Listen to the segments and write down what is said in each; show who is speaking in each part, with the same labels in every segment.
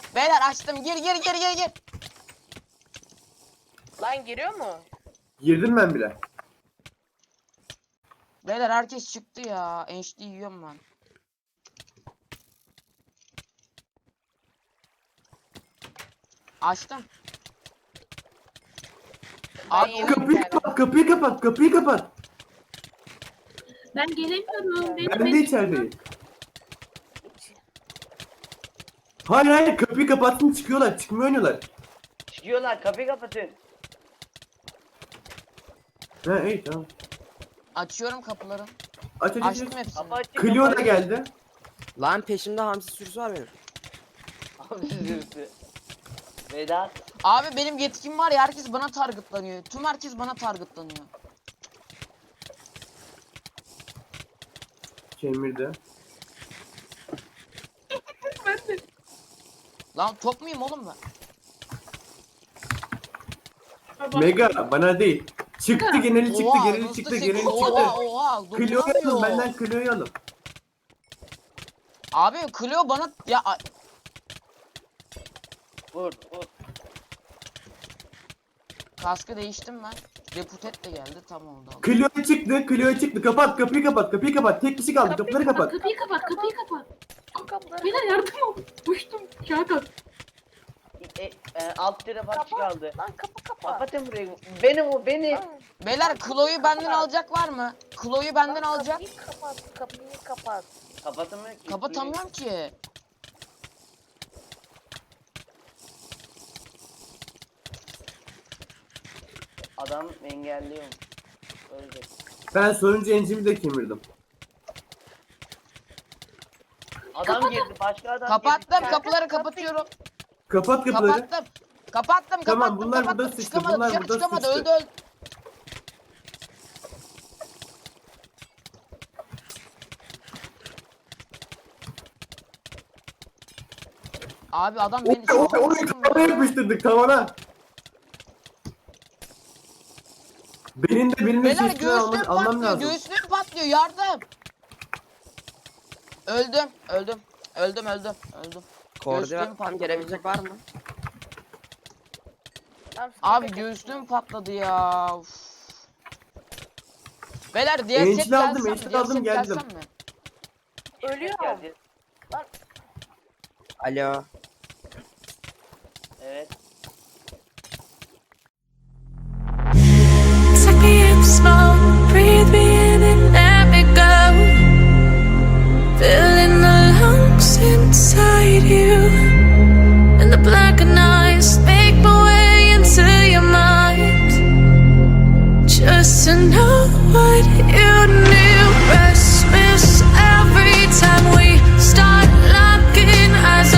Speaker 1: Beyler açtım. Gir.
Speaker 2: Lan giriyor mu?
Speaker 3: Girdim ben bile.
Speaker 1: Beyler herkes çıktı ya. Enişte yiyorum ben. Açtım. Abi
Speaker 2: yedim.
Speaker 3: Kapıyı kapat.
Speaker 4: Ben gelemiyorum.
Speaker 3: Ben de içerideyim. Hayır kapıyı kapattım çıkıyorlar. Çıkmıyor oynuyorlar.
Speaker 5: Çıkıyorlar, kapıyı kapatın.
Speaker 3: Ha iyi tamam.
Speaker 1: açıyorum kapıları.
Speaker 3: Aç.
Speaker 1: Açtım hepsini.
Speaker 5: Kapı açık.
Speaker 3: Clio da geldi.
Speaker 6: Lan peşimde hamsi sürüsü var benim.
Speaker 5: Abi zırhı. Vedat.
Speaker 1: Abi benim yetkim var ya, herkes bana targetlanıyor. Tüm herkes bana targetlanıyor.
Speaker 3: Kemirdi.
Speaker 1: Lan top muyum oğlum ben?
Speaker 3: Mega bana değil. Çıktı geneli çıktı
Speaker 1: Oha,
Speaker 3: geneli
Speaker 1: nasıl
Speaker 3: çıktı
Speaker 1: sekiz?
Speaker 3: geneli çıktı.
Speaker 1: Oha.
Speaker 3: Clio'yu alın
Speaker 1: dokunamıyor.
Speaker 3: benden Clio'yu alın.
Speaker 1: Abi Clio bana ya
Speaker 5: Vur.
Speaker 1: kaskı değiştim ben. Reputet de geldi, tam oldu.
Speaker 3: Clio'ya çıktı. Kapat kapıyı kapat. Tek kişi kaldı. Kapıları kapat.
Speaker 4: Kapıyı kapat.
Speaker 2: Kapıları
Speaker 4: Beyler yardım ol. Uçtum. Kağıt.
Speaker 5: Alt tarafı açık kaldı.
Speaker 2: Lan kapı kapat.
Speaker 5: Kapatın burayı. Benim.
Speaker 1: Beyler Chloe'yu benden alacak var mı? Chloe'yu benden alacak.
Speaker 2: Kapıyı kapat.
Speaker 5: Kapatamıyor ki.
Speaker 1: Kapatamıyorum ki.
Speaker 5: Adam engelliyor. Ölecek.
Speaker 3: Ben sonuncu encimi de kemirdim.
Speaker 5: Adam girdi. Başka adam
Speaker 1: Kapattım,
Speaker 5: girdi.
Speaker 1: kapıları kapatıyorum.
Speaker 3: Kapat kapıları.
Speaker 1: Kapattım.
Speaker 3: Tamam, bunlar burada sıçtı,
Speaker 1: Çıkamadı,
Speaker 3: bunlar
Speaker 1: dışarı
Speaker 3: burada
Speaker 1: çıkamadı,
Speaker 3: sıçtı.
Speaker 1: öldü. Abi adam beni
Speaker 3: Orayı tavana yapıştırdık tavana. Benim de
Speaker 1: Beyler
Speaker 3: şey
Speaker 1: göğüslüğüm
Speaker 3: almam
Speaker 1: patlıyor,
Speaker 3: lazım.
Speaker 1: göğüslüğüm patlıyor, yardım. Öldüm.
Speaker 6: Koordinat tam
Speaker 1: patladı.
Speaker 6: gelebilecek var mı?
Speaker 2: Tamam,
Speaker 1: Abi
Speaker 2: sıkıntı yok.
Speaker 1: göğüslüğüm patladı ya. Uf. Beyler diğer
Speaker 3: Encil
Speaker 1: set
Speaker 3: aldım,
Speaker 1: gelsem mi?
Speaker 3: encil
Speaker 1: Diğer
Speaker 3: aldım,
Speaker 1: set
Speaker 3: geldim.
Speaker 1: gelsem mi?
Speaker 2: Ölüyorum.
Speaker 5: Geldi.
Speaker 6: Alo.
Speaker 5: Evet.
Speaker 7: Take me in slow, breathe me in and let me go. Filling the lungs inside you, and the blackened eyes make my way into your mind. Just to know what you knew. Restless every time we start locking eyes.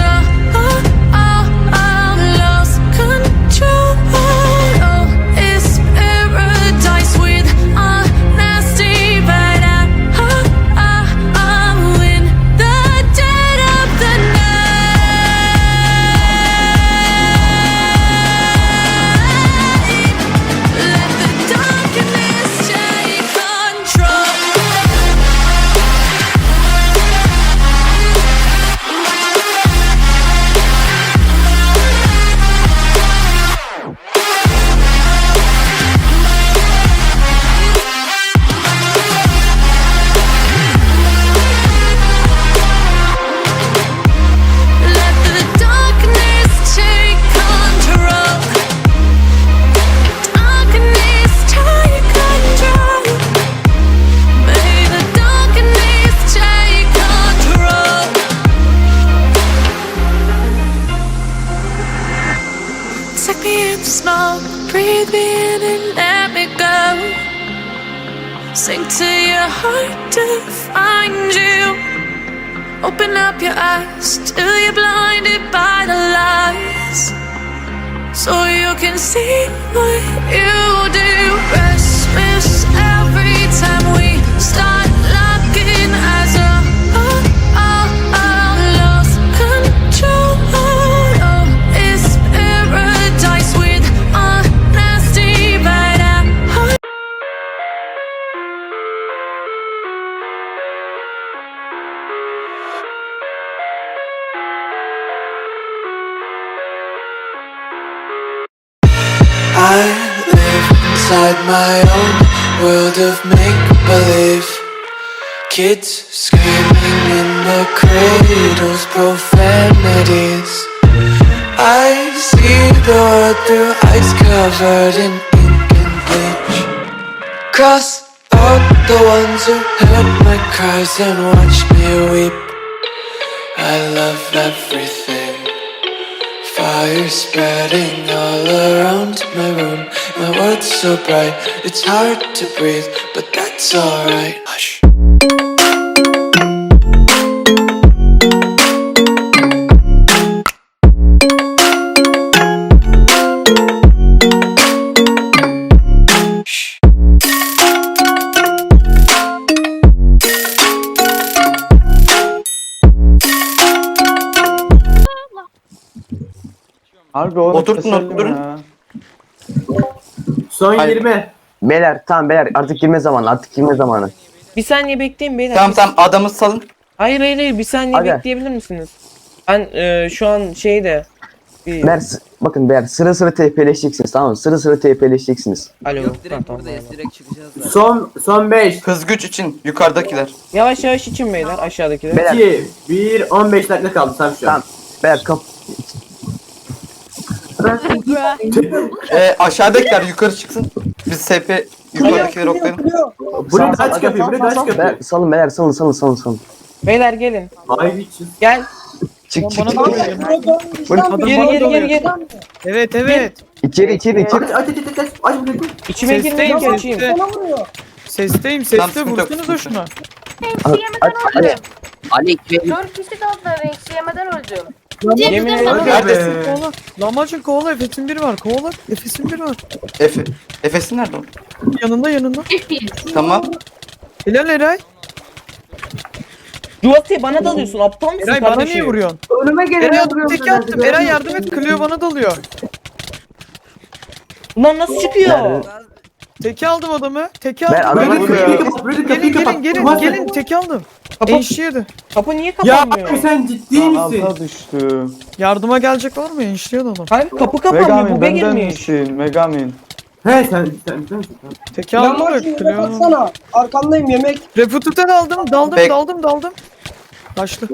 Speaker 7: Lost control. Oh, it's paradise with a nasty bite. I'm in the dead of the night. Let the darkness take control. Let the darkness take control. Darkness take control. May the darkness take control. Take me in slow, breathe me in and let me go. Sink to your heart to find you. Open up your eyes till you're blinded by the lies, so you can see what you do. Restless every time we start locking eyes. Lost control. Oh, it's paradise with a nasty bite. Let the darkness take control. Let the darkness take control. May the darkness take control. Darkness take control. May the darkness take control. Darkness take control. Darkness take control. Darkness take control.
Speaker 8: inside my own world of make-believe. Kids screaming in the cradles, profanities. I see the world through ice covered in ink and bleach. Cross out the ones who heard my cries and watched me weep. I love everything. Fire spreading all around my room. My world's so bright, it's hard to breathe, but that's alright. Hush.
Speaker 9: Harbi oğlum.
Speaker 10: Oturtun,
Speaker 9: keselim
Speaker 10: oturun.
Speaker 9: ya.
Speaker 3: Son
Speaker 10: Hayır.
Speaker 3: 20.
Speaker 6: Beyler tamam beyler artık girme zamanı artık girme zamanı.
Speaker 11: Bir saniye bekleyin beyler.
Speaker 10: Tamam tamam adamı salın.
Speaker 11: Hayır bir saniye
Speaker 6: Aga.
Speaker 11: bekleyebilir misiniz? Ben şu an şeyde bir...
Speaker 6: Beyler bakın beyler sıra sıra TP'leşeceksiniz tamam mı? Sıra sıra TP'leşeceksiniz.
Speaker 11: Alo.
Speaker 6: Yok,
Speaker 11: Tamam, tamam.
Speaker 6: direkt çıkacağız zaten.
Speaker 3: Son 5.
Speaker 10: Hız güç için yukarıdakiler.
Speaker 11: Yavaş yavaş için beyler aşağıdakiler.
Speaker 6: Beyler
Speaker 3: 2, 1, 15 dakika kaldı tam şu an.
Speaker 6: tamam. Beyler kap.
Speaker 10: Aşağıdakiler yukarı çıksın. Biz SP yukarıdakileri oklayalım.
Speaker 3: Buraya da aç kapıyı, buraya da aç
Speaker 6: Beyler,
Speaker 3: kapıyı.
Speaker 6: salın beyler salın.
Speaker 11: Beyler gelin.
Speaker 3: Ay biçim.
Speaker 11: Gel.
Speaker 6: Çık.
Speaker 11: Geri.
Speaker 9: Evet.
Speaker 6: İçeri.
Speaker 3: Aç burayı.
Speaker 11: İçime girmeyin ki açayım.
Speaker 9: Sesteyim
Speaker 10: Tamam, sıkıntı yok,
Speaker 9: vursanıza
Speaker 10: sıkıntı yok.
Speaker 9: şuna.
Speaker 2: Eksi yemeden öldüm.
Speaker 6: Ali
Speaker 2: 4 kişi kaldılar, eksi yemeden öldüm.
Speaker 11: Yemin ederim.
Speaker 10: Neredesin?
Speaker 9: Kovala. Lahmacun kovala, Efes'in biri var. Kovala, Efes'in biri var.
Speaker 10: Efes'in nerede o?
Speaker 9: Yanında.
Speaker 10: Tamam.
Speaker 9: Helal Eray.
Speaker 11: Duvatı bana dalıyorsun aptal mısın
Speaker 9: Eray bana
Speaker 11: kardeşim?
Speaker 9: niye vuruyorsun?
Speaker 4: Önüme
Speaker 9: Eray
Speaker 4: gelene
Speaker 9: adam teki attım. Eray yardım et. Clio bana dalıyor.
Speaker 11: Ulan nasıl çıkıyor?
Speaker 9: Teki aldım adamı. Teki
Speaker 6: Ben
Speaker 9: aldım.
Speaker 6: adamı
Speaker 3: Buraya da
Speaker 6: vuruyor.
Speaker 3: kapıyı kapat, buraya da kapıyı kapat.
Speaker 9: Gelin teki aldım.
Speaker 11: Kapı,
Speaker 9: Enişliydi.
Speaker 11: kapı niye
Speaker 3: Ya
Speaker 11: kapanmıyor?
Speaker 3: abi sen ciddi misin?
Speaker 9: Alta düştü. Yardıma gelecek var mı? Enişliyordu adam.
Speaker 11: Kanka kapı kapanmıyor buga girmiş.
Speaker 9: Megamin.
Speaker 3: He sen.
Speaker 9: Teki aldım da Clio.
Speaker 5: Baksana arkandayım yemek.
Speaker 9: Refututen aldım.
Speaker 10: Bek-
Speaker 9: Daldım. Kaçtı.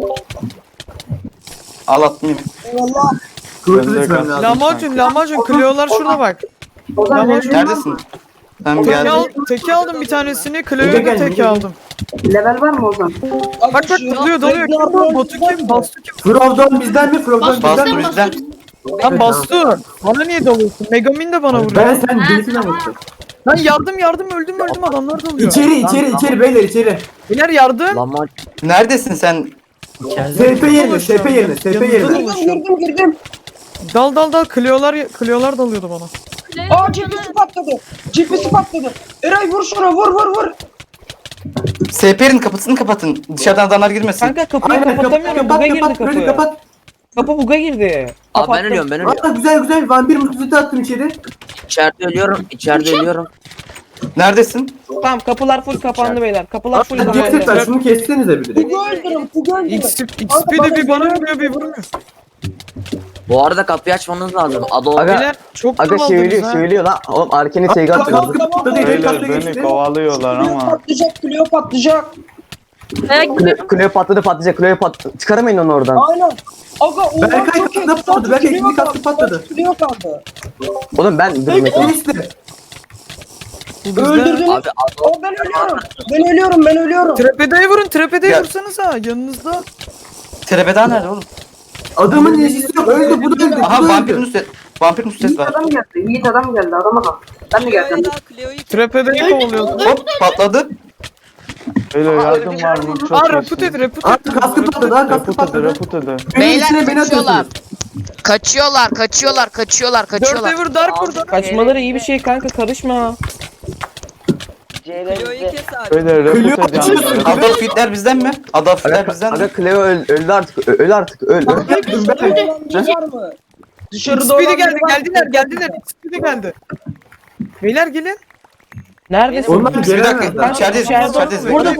Speaker 10: Al attım yemin.
Speaker 5: Eyvallah.
Speaker 3: Kıvırtı içmem lazım.
Speaker 9: Lahmacun. Clio'lar şurada bak. Lahmacun.
Speaker 10: Neredesin? Tamam geldim.
Speaker 9: Teki aldım bir tanesini.
Speaker 3: Ege
Speaker 9: Clio'yu da
Speaker 3: gel,
Speaker 9: teki
Speaker 3: Ege.
Speaker 9: aldım.
Speaker 4: Level var mı Ozan?
Speaker 9: Bak dalıyor. Batu kim? Bastu kim?
Speaker 3: Frovdon bizden mi? Frovdon bizden
Speaker 10: Bastı
Speaker 3: mi?
Speaker 10: bizden.
Speaker 9: Lan Bastu. Bana niye dalıyorsun? Megamin de bana vuruyor.
Speaker 3: Ben sen birisine bakıyorum.
Speaker 9: Lan yardım öldüm adamlar dalıyor.
Speaker 3: İçeri beyler içeri.
Speaker 9: Beyler yardım.
Speaker 6: Lahmacun.
Speaker 10: Neredesin sen?
Speaker 3: SP yerine.
Speaker 5: Girdim.
Speaker 9: Dal. Clio'lar dalıyordu bana.
Speaker 5: Aa GPS'i patladı. Eray vur şuna vur.
Speaker 10: SP'nin kapısını kapatın. Dışarıdan adamlar girmesin.
Speaker 11: Kanka kapıyı
Speaker 3: Aynen
Speaker 11: kapatamıyorum buga girdi
Speaker 3: kapat. Böyle
Speaker 11: kapı.
Speaker 3: kapat.
Speaker 11: Kapı buga girdi.
Speaker 6: Abi ben ölüyorum.
Speaker 3: Aa, güzel. Vampir mutluluğu attım içeri.
Speaker 6: İçeride ölüyorum.
Speaker 10: Neredesin?
Speaker 11: Tamam kapılar full kapandı beyler. Kapılar full
Speaker 3: Hadi
Speaker 11: kapandı.
Speaker 3: ceset ver şunu kessenize bir direkt.
Speaker 9: XP de bir bana vuruyor bir vurmuyor.
Speaker 6: Bu arada kapıyı açmanız lazım.
Speaker 9: Beyler çok
Speaker 6: Aga
Speaker 9: daldınız ha.
Speaker 6: söylüyor lan. Oğlum arkene sevgi atıyor.
Speaker 9: kovalıyorlar ama.
Speaker 5: Clio patlayacak.
Speaker 6: Kleo patlayacak. Çıkaramayın onu oradan.
Speaker 5: Aynen. Aga o
Speaker 3: Berkay kaskı patladı. Berkay ikinci kaskı patladı.
Speaker 5: Clio kaldı.
Speaker 6: Oğlum ben durmayayım.
Speaker 3: İşte.
Speaker 5: Öldürdünüz.
Speaker 6: Abi
Speaker 5: O ben ölüyorum.
Speaker 9: Trepedeyi vurun. Trepedeyi
Speaker 10: Ya.
Speaker 9: vursanıza yanınızda.
Speaker 10: Trebeda nerede oğlum?
Speaker 3: Adamın neşesi yok. Öldü bu da öldü.
Speaker 10: Aha vampir nusret var.
Speaker 4: Yiğit adam geldi adama bak. Ben de geldim.
Speaker 9: Trepedeyi kovalıyordu.
Speaker 10: Hop patladı.
Speaker 9: Öyle yardım var mı? Aa reput et.
Speaker 3: Aa kaskı patladı.
Speaker 1: Beyler kaçıyorlar.
Speaker 9: Dörtte vur dark vur.
Speaker 11: Kaçmaları iyi bir şey kanka karışma.
Speaker 9: Öyle reput et yani.
Speaker 10: Adolf Hitler bizden mi? Adolf Hitler bizden mi?
Speaker 6: Aga Cleo öldü artık. Öl artık. Öl.
Speaker 5: Var mı? Dışarıda
Speaker 9: Speedy geldiler. Speedy geldi. Beyler gelin.
Speaker 11: Neredesin?
Speaker 3: Onlar
Speaker 10: Bir
Speaker 3: gelemezler.
Speaker 10: dakika. İçerideyiz.
Speaker 11: Burada.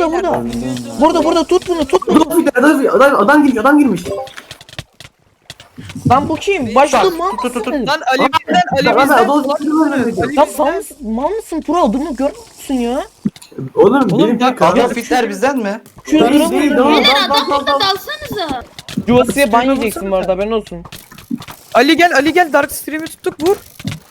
Speaker 11: Burada tut bunu.
Speaker 3: Adam girmiş.
Speaker 11: Lan bu kim? Başka mal
Speaker 10: Tut tut tut.
Speaker 11: mısın?
Speaker 9: Lan Ali bizden, Ali
Speaker 3: Lan
Speaker 9: bizden.
Speaker 3: Adolf
Speaker 9: Ulan
Speaker 3: Hitler'ı öldürdü.
Speaker 9: Ali
Speaker 11: Ya
Speaker 9: bizden.
Speaker 11: mal mısın? Mal mısın? Pro adımı görmüyor musun ya?
Speaker 3: Oğlum
Speaker 9: Oğlum
Speaker 3: benim
Speaker 9: bak,
Speaker 3: kanka.
Speaker 10: Adolf Hitler bizden mi?
Speaker 11: Şu
Speaker 3: Değil,
Speaker 11: duramıyor
Speaker 3: değil,
Speaker 11: ya.
Speaker 3: dal.
Speaker 12: Dalsanıza.
Speaker 11: Cuvasıya ban yiyeceksin bu arada haberin olsun.
Speaker 9: Ali gel Dark Stream'i tuttuk vur.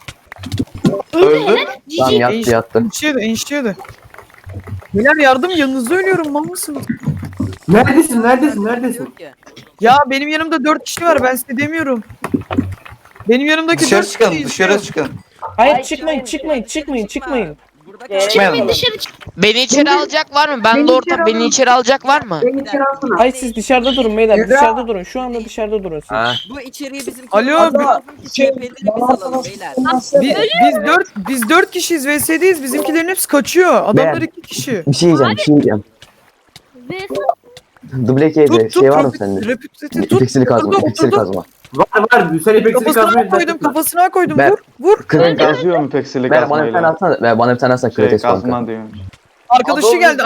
Speaker 10: Öldü.
Speaker 6: Tamam yattı yattı.
Speaker 9: Enişteydi. Beyler yardım, yanınızda ölüyorum, mal mısınız?
Speaker 3: Neredesin?
Speaker 9: Ya benim yanımda 4 kişi var, ben size demiyorum. Benim yanımdaki
Speaker 10: Dışarı
Speaker 9: 4
Speaker 10: çıkalım,
Speaker 9: kişi
Speaker 10: dışarı çıkalım.
Speaker 11: Hayır çıkmayın.
Speaker 10: Çıkmayalım.
Speaker 12: Çıkmayın dışarı çık.
Speaker 1: Beni içeri alacak var mı? Ben
Speaker 4: Beni
Speaker 1: de
Speaker 4: içeri
Speaker 1: orta. Beni
Speaker 4: alın.
Speaker 1: içeri alacak var mı?
Speaker 4: Beni içeri alsana.
Speaker 11: Hayır siz dışarıda durun beyler. Dışarıda durun. Şu anda dışarıda durun siz.
Speaker 12: Bu içeriği bizim
Speaker 9: Alo,
Speaker 12: CHP'leri biz alalım beyler.
Speaker 9: biz 4 kişiyiz, VS'deyiz, bizimkilerin hepsi kaçıyor. Adamlar 2 kişi.
Speaker 6: Bir şey diyeceğim. Double K'de şey var mı sende?
Speaker 9: Repüteti tut.
Speaker 6: İpeksili kazma,
Speaker 9: Oturdu,
Speaker 6: ipeksili
Speaker 9: oturdu.
Speaker 6: kazma.
Speaker 3: Var. Sen ipeksini
Speaker 9: Kafasına koydum, kafasına koydum.
Speaker 6: Ben-
Speaker 9: Vur.
Speaker 6: Kırık
Speaker 5: Yazıyor mu peksili
Speaker 6: Ver bana bir tane atsana. Ver bana bir tane atsana kırık kanka.
Speaker 5: diyormuş.
Speaker 9: Arkadaşı geldi.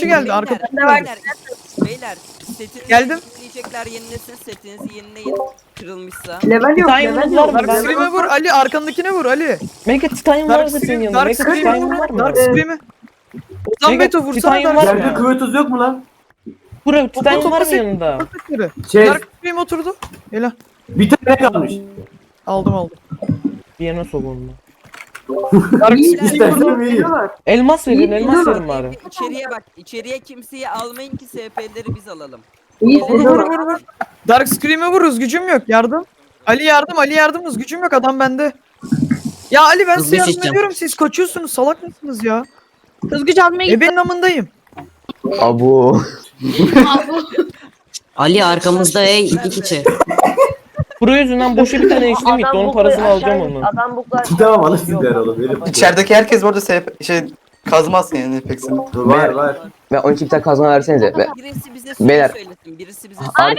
Speaker 12: Beyler setinizi
Speaker 9: Geldim.
Speaker 12: yenileyecekler, yenilesin, setinizi yenileyin. Kırılmışsa.
Speaker 4: Level yok,
Speaker 11: Titanium
Speaker 4: level
Speaker 11: var
Speaker 4: yok.
Speaker 11: mı?
Speaker 9: Dark Scream'e vur Ali, arkandakine vur Ali.
Speaker 11: Mega Titanium var mı senin yanında?
Speaker 9: Dark
Speaker 11: Mega
Speaker 9: Scream'e
Speaker 11: Titanium
Speaker 9: vur,
Speaker 11: var mı?
Speaker 9: Dark Scream'e. Ozan
Speaker 11: Mega
Speaker 9: Beto vursana
Speaker 11: Titanium
Speaker 9: Dark
Speaker 11: var mı?
Speaker 3: Yerde kıvırtız yok mu lan?
Speaker 11: Bura Titanium var mı
Speaker 9: Otobüse-
Speaker 11: yanında?
Speaker 9: Scream'e.
Speaker 3: Şey,
Speaker 9: Dark Scream oturdu. Helal.
Speaker 3: bir tane kalmış.
Speaker 9: Aldım.
Speaker 11: Viyana soğuğunda.
Speaker 9: Dark
Speaker 4: İyi,
Speaker 9: Scream
Speaker 3: İstersen
Speaker 9: vurdu.
Speaker 3: vereyim.
Speaker 11: Elmas verin,
Speaker 4: İyi,
Speaker 11: elmas
Speaker 4: iyi.
Speaker 11: verin bari.
Speaker 12: İçeriye bak. İçeriye kimseyi almayın ki SP'leri biz alalım.
Speaker 4: İyi,
Speaker 9: Vur. Dark Scream'e vur, gücüm yok. Yardım. Ali yardım, gücüm yok, adam bende. Ya Ali ben size yardım ediyorum, siz kaçıyorsunuz, salak mısınız ya?
Speaker 2: Hızgıç almaya git.
Speaker 9: Benim amındayım.
Speaker 6: Abu.
Speaker 12: Ali arkamızda iki kişi.
Speaker 11: Pro yüzünden boşa bir tane eşlim gitti. Onun parasını alacağım onu.
Speaker 2: Adam buklar.
Speaker 3: Tamam alırsın der oğlum. Benim.
Speaker 10: İçerideki herkes bu arada kazmazsın yani ipeksini.
Speaker 3: Var.
Speaker 6: Ve 12 bir tane kazma versenize. Ve
Speaker 12: Birisi bize
Speaker 6: Beyler.
Speaker 12: söylesin. Birisi bize
Speaker 6: Abi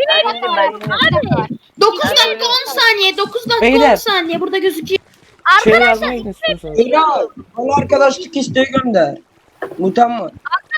Speaker 12: 9 dakika 10 saniye. 9 dakika
Speaker 11: Beyler.
Speaker 12: 10 saniye burada gözüküyor.
Speaker 11: Şey yardıma gidin istiyorsanız.
Speaker 5: Eray, bana arkadaşlık isteği gönder. Mutamma.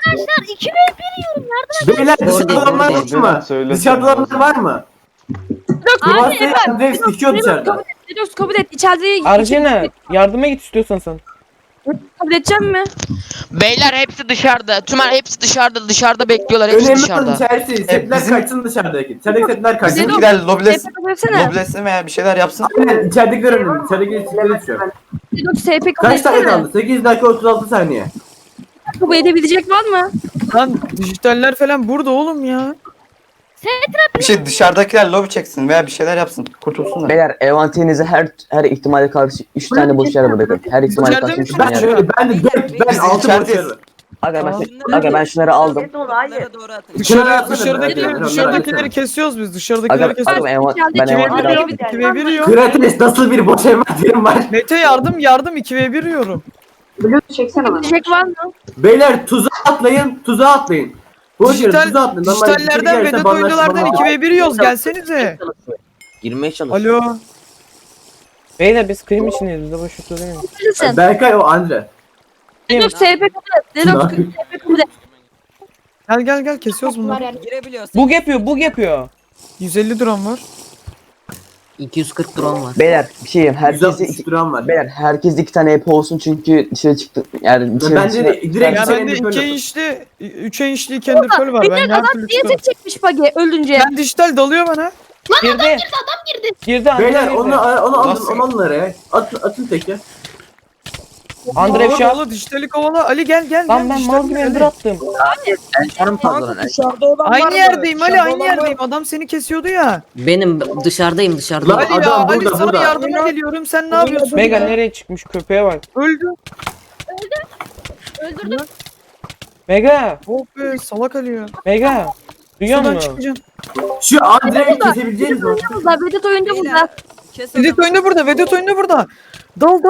Speaker 3: Beyler dışarıda olanlar var mı? Dışarıda olanlar var mı? Kıvırsa Andrex dikiyor dışarıda.
Speaker 2: Dedos kabul et. İçeride
Speaker 11: Arjena yardıma git istiyorsan sen.
Speaker 2: kabul edeceğim mi?
Speaker 1: Beyler hepsi dışarıda. Tümer hepsi dışarıda bekliyorlar. Hepsi
Speaker 3: Önemli olan
Speaker 1: dışarıda.
Speaker 3: içerisi. Setler
Speaker 10: bizim-
Speaker 3: kaçsın dışarıdaki. İçerideki setler kaçsın.
Speaker 10: Bizimkiler
Speaker 2: kabul etsene.
Speaker 10: loblesin veya bir şeyler yapsın.
Speaker 3: Aynen içeridekiler önemli. İçerideki setleri düşüyor.
Speaker 2: Dedos SP kabul
Speaker 3: Kaç dakika
Speaker 2: etsene.
Speaker 3: kaldı? 8 dakika 36 saniye.
Speaker 2: Kabul edebilecek var mı?
Speaker 9: Lan dijitaller falan burada oğlum ya.
Speaker 10: Bir şey dışarıdakiler lobi çeksin veya bir şeyler yapsın. Kurtulsunlar.
Speaker 6: Beyler envanterinize her ihtimale karşı 3 tane boş yer bırakın. Her ihtimale
Speaker 9: İçeride
Speaker 6: karşı 3
Speaker 3: Ben
Speaker 6: tane yer.
Speaker 3: şöyle ben de 4 ben
Speaker 10: Biz
Speaker 3: 6
Speaker 10: içerideyiz.
Speaker 3: boşarım.
Speaker 6: Aga ben şunları aldım.
Speaker 12: Bunlara doğru atın.
Speaker 9: Dışarıdakileri kesiyoruz biz. Dışarıdakileri
Speaker 6: Aga
Speaker 9: kesiyoruz.
Speaker 6: ben
Speaker 2: İçerideki
Speaker 6: envanteri
Speaker 2: var.
Speaker 6: aldım.
Speaker 9: 2v1 yiyor.
Speaker 3: Krates nasıl bir boş envanterim var.
Speaker 9: Mete yardım 2v1 yiyorum.
Speaker 4: Blue çeksene bana.
Speaker 2: Edebilecek var mı?
Speaker 3: Beyler tuzağa atlayın. Boş yere tuzağa atlayın. Normalde
Speaker 9: Dijitallerden
Speaker 3: içeri
Speaker 9: Vedat
Speaker 3: girerse
Speaker 9: oyunculardan
Speaker 3: banlaşma.
Speaker 9: 2v1 yiyoruz, gelsenize.
Speaker 6: Girmeye çalış.
Speaker 9: Alo.
Speaker 11: Beyler biz krim içindeyiz. Bize boş söylemeyin.
Speaker 2: Bilirsin.
Speaker 3: Berkay o Andre.
Speaker 2: Dedos SP kabul et. Dedos SP kabul et.
Speaker 9: Gel kesiyoruz bunları.
Speaker 12: Girebiliyorsun.
Speaker 11: Bug yapıyor.
Speaker 9: 150 drone var.
Speaker 12: 240 drone var.
Speaker 6: Beyler bir şey diyeyim. Herkese
Speaker 3: 163 gram var.
Speaker 6: Beyler herkes 2 tane EP olsun çünkü dışarı çıktı. Yani dışarı
Speaker 3: Bence de direkt
Speaker 9: Ya
Speaker 3: içeri
Speaker 9: bende
Speaker 3: endüstri
Speaker 9: 2
Speaker 3: yapın.
Speaker 9: inçli, 3 inçli kendi pearl var. Ben her
Speaker 2: Adam
Speaker 9: türlü
Speaker 2: niye
Speaker 9: çıkarım.
Speaker 2: tek çekmiş bagi öldünce?
Speaker 9: Ben dijital dalıyor bana.
Speaker 11: Girdi. Girdi Andre
Speaker 3: Beyler
Speaker 11: girdi.
Speaker 3: onu alın
Speaker 10: Nasıl?
Speaker 3: onu alın araya. Atın teki.
Speaker 11: Andre Şah.
Speaker 9: Kovala dijitali kovala. Ali gel.
Speaker 11: Lan ben mal gibi ender attım.
Speaker 5: Dışarıda olan var
Speaker 9: Aynı
Speaker 5: mı?
Speaker 9: yerdeyim Ali,
Speaker 5: Dışarıda
Speaker 9: aynı
Speaker 5: olan var
Speaker 9: yerdeyim. Adam seni kesiyordu ya.
Speaker 12: Benim dışarıdayım
Speaker 3: Lan
Speaker 9: Ali ya,
Speaker 3: adam
Speaker 9: Ali
Speaker 3: burada
Speaker 9: sana
Speaker 3: burada.
Speaker 9: yardıma geliyorum. Sen ne yapıyorsun?
Speaker 11: Mega
Speaker 9: ya?
Speaker 11: nereye çıkmış köpeğe bak.
Speaker 9: Öldü.
Speaker 2: Öldürdüm.
Speaker 11: Mega.
Speaker 9: Oh be, salak Ali ya.
Speaker 11: Mega. Duyuyor
Speaker 9: Şuradan
Speaker 11: musun?
Speaker 9: çıkacağım.
Speaker 3: Şu Andre'yi kesebileceğiniz mi?
Speaker 2: Burada Vedat oyuncu burada.
Speaker 9: Vedat oyunda burada, Vedat oyunda burada. Dal.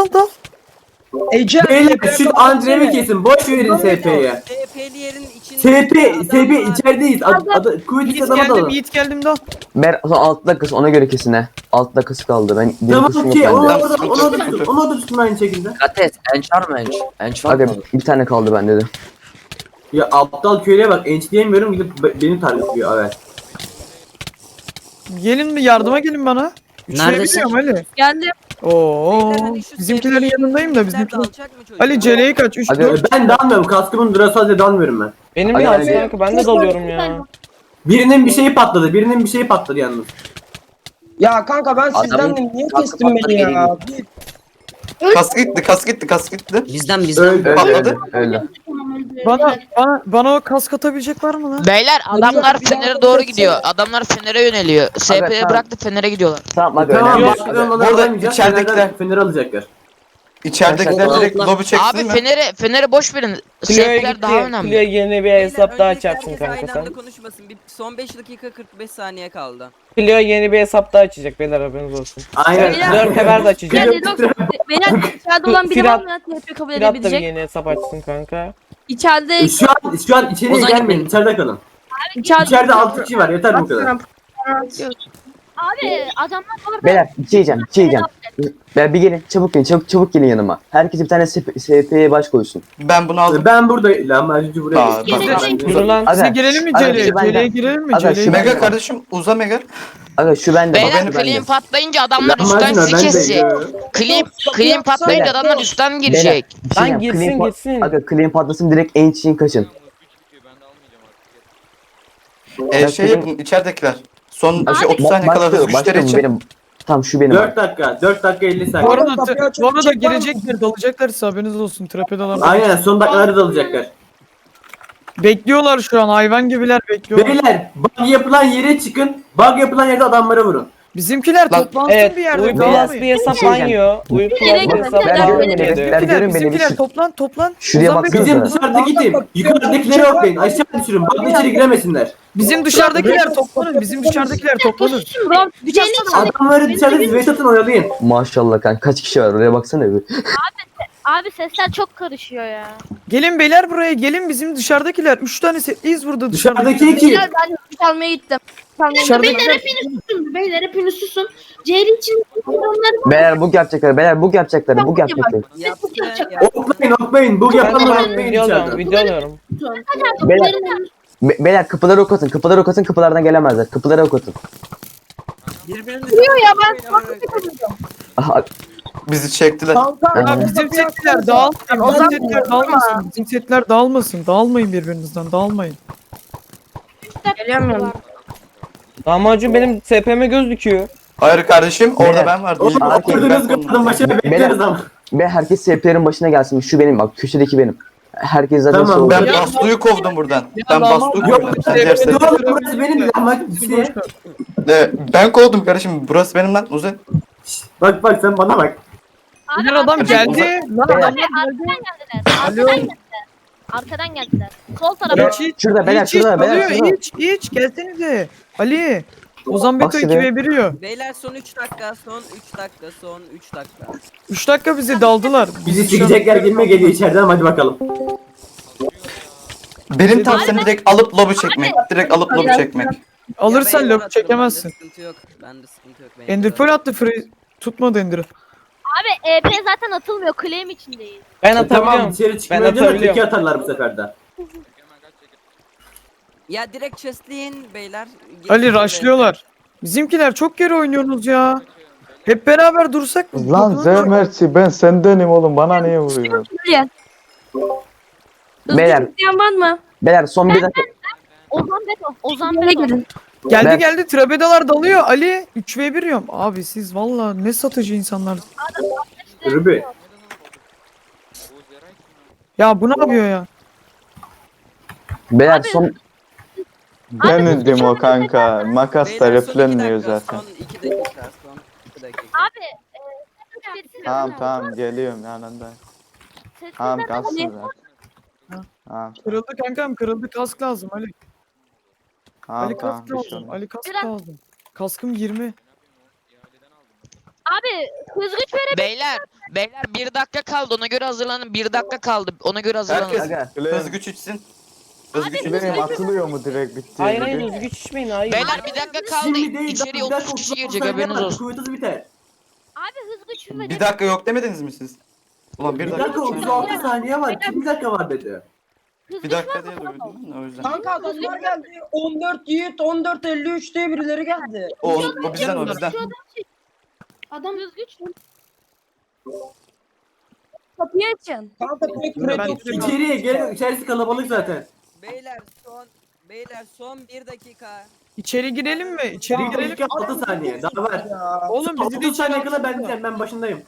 Speaker 5: Ece.
Speaker 3: Beyler şu Andre'yi kesin. Boş verin SP'ye.
Speaker 12: SP'li yerin içinde.
Speaker 3: SP içerideyiz. Kuvvetli
Speaker 9: Yiğit
Speaker 3: adama dalın.
Speaker 9: geldim dal.
Speaker 6: Ber 6 dakikası ona göre kesin he. 6 dakikası kaldı. Ben benim
Speaker 3: Tamam
Speaker 6: kuşum
Speaker 3: ki
Speaker 6: yok
Speaker 3: onu
Speaker 6: bende.
Speaker 3: da tutun aynı şekilde.
Speaker 12: Kates, enç var mı enç? Enç
Speaker 6: Aga bir tane kaldı bende de.
Speaker 3: Ya aptal köylüye bak enç diyemiyorum gidip beni targetliyor evet.
Speaker 9: Gelin mi yardıma gelin bana.
Speaker 12: Neredesin?
Speaker 9: Ali.
Speaker 2: Geldim.
Speaker 9: Oo.
Speaker 12: Beyler, hani şu
Speaker 9: Bizimkilerin
Speaker 12: SP'yi
Speaker 9: yanındayım da
Speaker 12: bizimkiler
Speaker 9: bizimkiler.
Speaker 12: dalacak mı çocuk?
Speaker 9: Ali Cele'yi kaç? 3
Speaker 6: Hadi.
Speaker 9: 4.
Speaker 3: Ben dalmıyorum. Kaskımın durası halde dalmıyorum ben.
Speaker 11: Benim
Speaker 6: Hadi,
Speaker 11: de
Speaker 6: hadi.
Speaker 11: kanka ben de dalıyorum ya.
Speaker 3: Birinin bir şeyi patladı. Birinin bir şeyi patladı yalnız.
Speaker 5: Ya kanka ben
Speaker 6: Adamın
Speaker 5: sizden de niye
Speaker 6: kaskı
Speaker 5: kestin beni
Speaker 6: patladı,
Speaker 5: ya?
Speaker 10: Kask gitti.
Speaker 12: Bizden
Speaker 3: Öldü.
Speaker 10: Patladı.
Speaker 6: Öyle.
Speaker 9: Bana o kask atabilecek var mı lan?
Speaker 1: Beyler adamlar
Speaker 5: bir dakika,
Speaker 1: Fener'e doğru
Speaker 5: bir dakika.
Speaker 1: gidiyor. Adamlar Fener'e yöneliyor. SP'ye
Speaker 6: tamam.
Speaker 1: bıraktı Fener'e gidiyorlar.
Speaker 6: Tamam hadi
Speaker 3: Tamam
Speaker 6: öyle.
Speaker 3: başka onları
Speaker 10: Burada
Speaker 3: alamayacağız.
Speaker 10: içeridekiler-
Speaker 3: Fener'i alacaklar.
Speaker 10: İçeridekiler direkt lobi çeksin
Speaker 1: Abi
Speaker 10: mi?
Speaker 1: Fener'e boş verin.
Speaker 11: Clio'ya
Speaker 1: SP'ler daha
Speaker 11: gitti.
Speaker 1: önemli.
Speaker 11: Clio yeni bir hesap daha açacaksın kanka
Speaker 12: Aynı
Speaker 11: sen.
Speaker 12: anda konuşmasın. Son 5 dakika 45 saniye kaldı.
Speaker 11: Clio yeni bir hesap daha açacak beyler haberiniz olsun.
Speaker 3: Aynen.
Speaker 11: Dört sefer de açacak.
Speaker 2: Beyler içeride olan biri var mı? TP kabul
Speaker 11: Firat da bir
Speaker 2: edebilecek.
Speaker 11: yeni hesap açsın kanka.
Speaker 2: İçeride
Speaker 3: Şu an içeriye
Speaker 12: Ozan
Speaker 3: gelmeyin. İçeride kalın. İçeride 6 kişi var. Yeter bu kadar.
Speaker 2: Abi adamlar orada.
Speaker 6: Beyler bir şey diyeceğim. Bir şey diyeceğim. Beyler bir gelin. Çabuk gelin. Çabuk gelin yanıma. Herkes bir tane SP'ye baş koysun.
Speaker 10: Ben bunu aldım.
Speaker 3: Ben burada lahmacuncu buraya
Speaker 10: Aa,
Speaker 3: geçtim.
Speaker 11: Dur lan.
Speaker 6: Aga,
Speaker 9: Size girelim mi
Speaker 6: aga,
Speaker 9: Cele'ye?
Speaker 6: şu benden.
Speaker 9: Cele'ye girelim mi?
Speaker 6: Aga, şu
Speaker 9: Cele'ye
Speaker 6: benden.
Speaker 10: Mega kardeşim uza Mega.
Speaker 6: Aga şu bende.
Speaker 1: Beyler
Speaker 6: bak, şu bende.
Speaker 1: clean patlayınca adamlar üstten
Speaker 3: Lahmacun
Speaker 1: sizi
Speaker 3: ben de
Speaker 1: kesecek.
Speaker 3: yiyorum.
Speaker 1: Clean patlayınca
Speaker 6: Beyler.
Speaker 1: adamlar üstten girecek.
Speaker 6: Bir şey
Speaker 11: Lan
Speaker 6: diyeceğim.
Speaker 11: gitsin,
Speaker 6: Clean
Speaker 11: gitsin.
Speaker 6: Aga clean patlasın direkt en için kaçın.
Speaker 10: Şey yapın içeridekiler. Son
Speaker 6: Aga,
Speaker 10: 30 saniye kala hızlı güçleri
Speaker 6: başlıyorum,
Speaker 10: için.
Speaker 6: benim. Tamam şu benim.
Speaker 3: 4 dakika. 4 dakika 50
Speaker 9: Bu
Speaker 3: saniye.
Speaker 9: arada,
Speaker 5: Kapıyı açıp
Speaker 9: bu arada
Speaker 5: çek var mı?
Speaker 9: girecekler, dalacaklar size haberiniz olsun. Trapedalar.
Speaker 3: Aynen son dakikalarda dalacaklar.
Speaker 9: Bekliyorlar şu an, hayvan gibiler bekliyorlar.
Speaker 3: Beyler bug yapılan yere çıkın. Bug yapılan yerde adamlara vurun.
Speaker 9: Bizimkiler
Speaker 10: Lan,
Speaker 9: toplansın
Speaker 11: Evet,
Speaker 9: bir yerde.
Speaker 11: Uykulas
Speaker 9: dağılmayın.
Speaker 11: bir hesap
Speaker 6: Şey diyeceğim.
Speaker 11: banyo. Uykulas bir hesap
Speaker 6: Ben
Speaker 11: banyo.
Speaker 6: görün beni.
Speaker 9: Bizimkiler,
Speaker 6: görün beni.
Speaker 9: bizimkiler toplan.
Speaker 6: Şuraya
Speaker 9: Ozan Bey,
Speaker 6: baksanıza.
Speaker 3: Bizim dışarıdaki tim. Yukarıdakileri oklayın. Aşağı düşürün. Bug'la içeri giremesinler.
Speaker 9: Bizim dışarıdakiler toplanın. Bizim dışarıdakiler toplanın.
Speaker 3: Adamları dışarıda ziveyt atın oyalayın.
Speaker 6: Maşallah kanka kaç kişi var oraya baksana bir.
Speaker 2: Abi sesler çok karışıyor ya.
Speaker 9: Gelin beyler buraya gelin, bizim dışarıdakiler. 3 tane setliyiz burada
Speaker 3: Dışarıdaki kim?
Speaker 2: Ben hüç almaya gittim.
Speaker 9: Dışarıdakiler.
Speaker 2: Beyler hepiniz susun. Ceyri için onları
Speaker 6: Beyler bug yapacaklar. Beyler bug yapacaklar. Bug yapacaklar.
Speaker 3: Oklayın. Bug
Speaker 11: Ben
Speaker 3: yapanları
Speaker 11: de
Speaker 3: oklayın
Speaker 11: video alıyorum,
Speaker 3: dışarıda.
Speaker 11: video alıyorum.
Speaker 6: Beyler, beyler kapıları ok atın. Kapıları ok atın. Kapılardan gelemezler. Kapıları ok atın.
Speaker 2: vuruyor ya ben.
Speaker 6: Aha,
Speaker 10: Bizi çektiler.
Speaker 9: Ya bizim setler dağılmasın. Bizim setler dağılmasın. Bizim setler dağılmasın. Dağılmayın birbirinizden. Dağılmayın.
Speaker 2: Gelemiyorum.
Speaker 11: Lahmacun benim SP'me göz dikiyor.
Speaker 10: Hayır kardeşim orada
Speaker 6: Beyler.
Speaker 10: ben vardım.
Speaker 3: Oğlum
Speaker 6: Arkadaşlar,
Speaker 3: okladınız kadının başına bekleriz ama.
Speaker 6: ve herkes SP'lerin başına gelsin. Şu benim bak köşedeki benim. Herkes zaten
Speaker 3: Tamam,
Speaker 6: soğuk.
Speaker 10: Ben
Speaker 9: Ya,
Speaker 10: Bastu'yu kovdum buradan. Ben
Speaker 9: Ya,
Speaker 10: Bastu'yu
Speaker 9: Yok,
Speaker 10: kovdum.
Speaker 9: işte,
Speaker 10: Diğer set-
Speaker 3: Oğlum burası benim lahmacun düşüyor.
Speaker 10: Ben kovdum kardeşim. Burası benim lan uzun.
Speaker 3: Bak sen bana bak.
Speaker 9: Bunlar adam geldi. Lan
Speaker 6: Beyler.
Speaker 9: adam
Speaker 2: Arkadan geldiler. Sol tarafa.
Speaker 9: hiç
Speaker 6: Şurada beyler şurada beyler şurada.
Speaker 9: hiç gelsenize. Ali. Ozan Beto
Speaker 6: Bak
Speaker 9: 2
Speaker 6: şuraya.
Speaker 9: ve 1 yiyor.
Speaker 12: Beyler son 3 dakika, son 3 dakika, son 3 dakika.
Speaker 9: 3 dakika bizi daldılar.
Speaker 3: Bizi
Speaker 9: şu an-
Speaker 3: sikecekler gibime geliyor içeriden hadi bakalım.
Speaker 10: Benim tavsiyem direkt alıp lobi çekmek. Direkt alıp lobi çekmek.
Speaker 9: Alırsan
Speaker 12: Ya beyler
Speaker 9: lob
Speaker 12: atarım,
Speaker 9: çekemezsin.
Speaker 12: Bende sıkıntı yok. Bende sıkıntı yok. beyler.
Speaker 9: Ender Pearl attı free. Tutmadı Ender'ı.
Speaker 2: Abi EP zaten atılmıyor. Claim içindeyiz.
Speaker 11: Ben
Speaker 3: Tamam
Speaker 11: atabiliyorum.
Speaker 3: içeri
Speaker 11: Ben
Speaker 3: çıkmaya diyorlar
Speaker 11: atabiliyorum.
Speaker 3: teki atarlar bu sefer de.
Speaker 12: Ya direkt chestleyin beyler.
Speaker 9: Ali
Speaker 12: Geçin
Speaker 9: rushlıyorlar. Bizimkiler çok geri oynuyorsunuz ya. Hep beraber dursak mı?
Speaker 13: Lan Zermerçi ben sendenim oğlum bana niye vuruyor?
Speaker 6: Beyler.
Speaker 2: İsteyen var mı?
Speaker 6: Beyler son bir dakika.
Speaker 2: Ozan Beto. Ozan Beto.
Speaker 9: Geldi Trabedalar dalıyor Ali 3 ve 1 yiyorum. Abi siz valla ne satıcı insanlar.
Speaker 3: Ruby.
Speaker 9: Ya bu ne yapıyor ya?
Speaker 6: Beyler son
Speaker 13: Ben indim o kanka. Makas da
Speaker 12: Beyler, son iki
Speaker 13: replenmiyor
Speaker 12: dakika,
Speaker 13: zaten.
Speaker 12: Son 2 dakika, son 2 dakika.
Speaker 2: Abi.
Speaker 13: Tamam geliyorum yanında. Tamam kalsın zaten. Tamam
Speaker 9: Kırıldı kankam kırıldı kask lazım Ali. Ali
Speaker 13: tamam
Speaker 9: kask
Speaker 13: bir şey
Speaker 9: lazım.
Speaker 13: olmaz.
Speaker 9: Ali kask lazım. Kaskım 20.
Speaker 2: Abi hız güç verelim.
Speaker 1: Beyler 1 dakika kaldı ona göre hazırlanın. 1 dakika kaldı ona göre hazırlanın.
Speaker 10: Herkes
Speaker 6: Aga.
Speaker 10: hız güç içsin. Hız güç içsin.
Speaker 13: Benim atılıyor mu direkt bitti?
Speaker 11: Hayır hayır hızlı güç içmeyin hayır.
Speaker 1: Beyler 1 dakika kaldı.
Speaker 3: Şimdi değil.
Speaker 1: İçeriye
Speaker 3: bir dakika,
Speaker 1: 30 kişi
Speaker 3: 30
Speaker 1: girecek
Speaker 3: saniye
Speaker 1: haberiniz
Speaker 3: var,
Speaker 1: olsun.
Speaker 3: kuvvetiniz biter.
Speaker 2: Abi hız güç verelim.
Speaker 10: Bir dakika yok demediniz mi siz? Ulan bir
Speaker 3: Bir
Speaker 10: dakika.
Speaker 3: dakika 36 saniye var. Kim bir dakika var dedi.
Speaker 10: Bir dakika diye duydum o yüzden.
Speaker 5: Kanka adamlar geldi. 14 Yiğit 14.53 diye birileri geldi.
Speaker 10: O bizden o bizden.
Speaker 2: Adam düzgüç. Kapıyı açın.
Speaker 5: Kanka direkt
Speaker 9: Ben-
Speaker 5: üret
Speaker 3: İçeriye gelin. İçerisi kalabalık zaten.
Speaker 12: Beyler son 1 dakika.
Speaker 9: İçeri girelim mi? İçeri
Speaker 3: Bir
Speaker 9: girelim.
Speaker 3: dakika 6 saniye. Daha var.
Speaker 9: Oğlum bizi de
Speaker 3: 30 saniye
Speaker 9: içeri
Speaker 3: kala ben
Speaker 9: alsana.
Speaker 3: diyeceğim. Ben başındayım.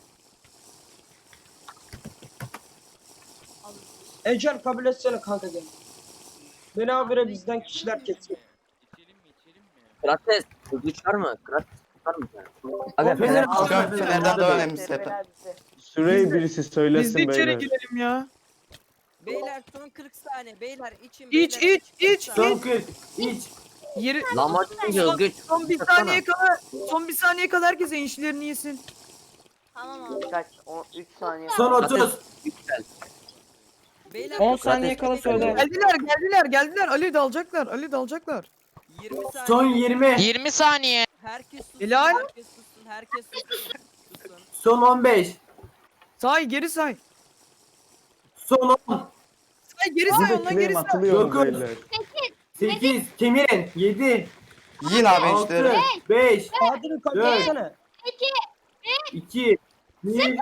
Speaker 5: Ecel kabul etsene kanka gel. Beni habire bizden kişiler kesiyor.
Speaker 6: Krates. Güç var mı? Krates var mı?
Speaker 3: Aga,
Speaker 6: Fener
Speaker 10: Fener'den daha önemli sepe.
Speaker 13: Süreyi birisi
Speaker 9: Biz de
Speaker 13: söylesin
Speaker 9: içeri
Speaker 13: beyler.
Speaker 9: girelim ya.
Speaker 12: Beyler son 40 saniye. Beyler için.
Speaker 9: İç.
Speaker 3: Son 40. İç.
Speaker 9: Yeri...
Speaker 6: Lan maç gidiyor güç.
Speaker 9: Son bir saniye kala. Son bir saniye kadar herkes enişlerini yesin.
Speaker 2: Tamam abi.
Speaker 1: Kaç? 3 saniye.
Speaker 3: Son 30.
Speaker 12: Beyler
Speaker 11: 10 saniye kala söyle.
Speaker 9: Geldiler. Ali dalacaklar.
Speaker 12: 20 saniye.
Speaker 3: Son 20.
Speaker 1: 20 saniye.
Speaker 12: Herkes sussun.
Speaker 9: Helal.
Speaker 12: Herkes sussun.
Speaker 3: Son 15.
Speaker 9: Say geri say.
Speaker 3: Son 10.
Speaker 9: Say geri say
Speaker 13: Burada
Speaker 9: ondan geri
Speaker 13: claim
Speaker 9: say.
Speaker 13: atılıyor
Speaker 3: Dokuz.
Speaker 13: beyler.
Speaker 3: 8. Kemirin. 7.
Speaker 10: Yiyin abi
Speaker 3: 6.
Speaker 10: enişteleri.
Speaker 3: 5.
Speaker 5: Adil'i kabul
Speaker 3: Evet.
Speaker 5: etsene.
Speaker 3: 2. 1.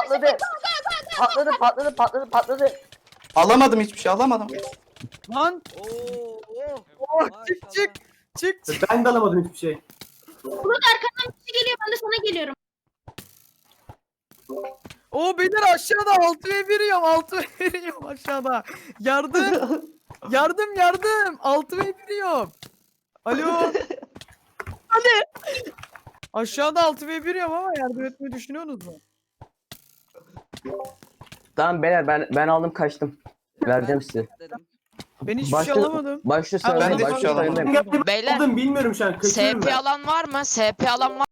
Speaker 6: Patladı.
Speaker 10: Alamadım hiçbir şey alamadım.
Speaker 9: Lan.
Speaker 12: Oh,
Speaker 9: Çık.
Speaker 3: Ben de alamadım hiçbir şey.
Speaker 2: Arkadan bir şey geliyor. Ben de sana geliyorum.
Speaker 9: O beyler aşağıda 6 ve 1 yiyorum. 6 ve 1 yiyorum aşağıda. Yardım. yardım. 6 ve 1 yiyorum. Alo. Hadi. Aşağıda 6 ve 1 yiyorum ama yardım etmeyi düşünüyorsunuz mu?
Speaker 6: Tamam beyler ben aldım kaçtım. Vereceğim size.
Speaker 9: Ben hiçbir şey alamadım.
Speaker 6: Başta
Speaker 10: Ben de
Speaker 6: söyle.
Speaker 10: hiçbir şey alamadım.
Speaker 1: Beyler
Speaker 3: Aldım bilmiyorum şu an. Kaçıyorum
Speaker 1: SP
Speaker 3: ben.
Speaker 1: alan var mı? SP alan var